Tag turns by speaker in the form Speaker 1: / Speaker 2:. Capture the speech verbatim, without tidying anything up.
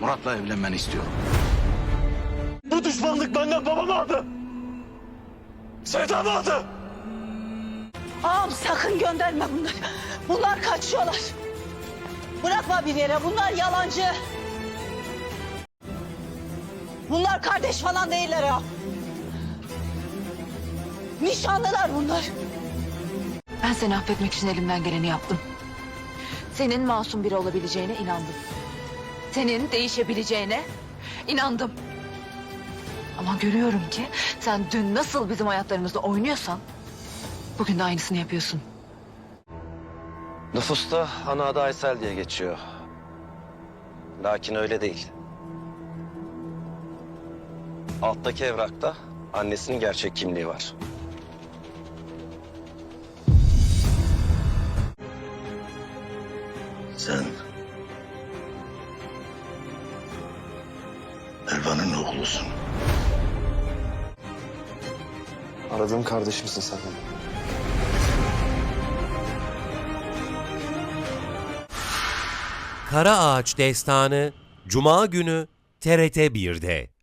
Speaker 1: Murat'la evlenmeni istiyorum.
Speaker 2: Bu düşmanlık benden babamı aldı. Sevdamı aldı.
Speaker 3: Ağam sakın gönderme bunları. Bunlar kaçıyorlar. Bırakma bir yere. Bunlar yalancı. Bunlar kardeş falan değiller ya. Nişanlılar bunlar.
Speaker 4: Ben seni affetmek için elimden geleni yaptım. Senin masum biri olabileceğine inandım. Senin değişebileceğine inandım. Ama görüyorum ki sen dün nasıl bizim hayatlarımızda oynuyorsan bugün de aynısını yapıyorsun.
Speaker 5: Nüfusta ana adı Aysel diye geçiyor. Lakin öyle değil. Alttaki evrakta annesinin gerçek kimliği var.
Speaker 1: Sen Elvan'ın oğlusun.
Speaker 5: Aradığım kardeşimsin sen benim.
Speaker 6: Kara Ağaç Destanı Cuma günü T R T bir'de.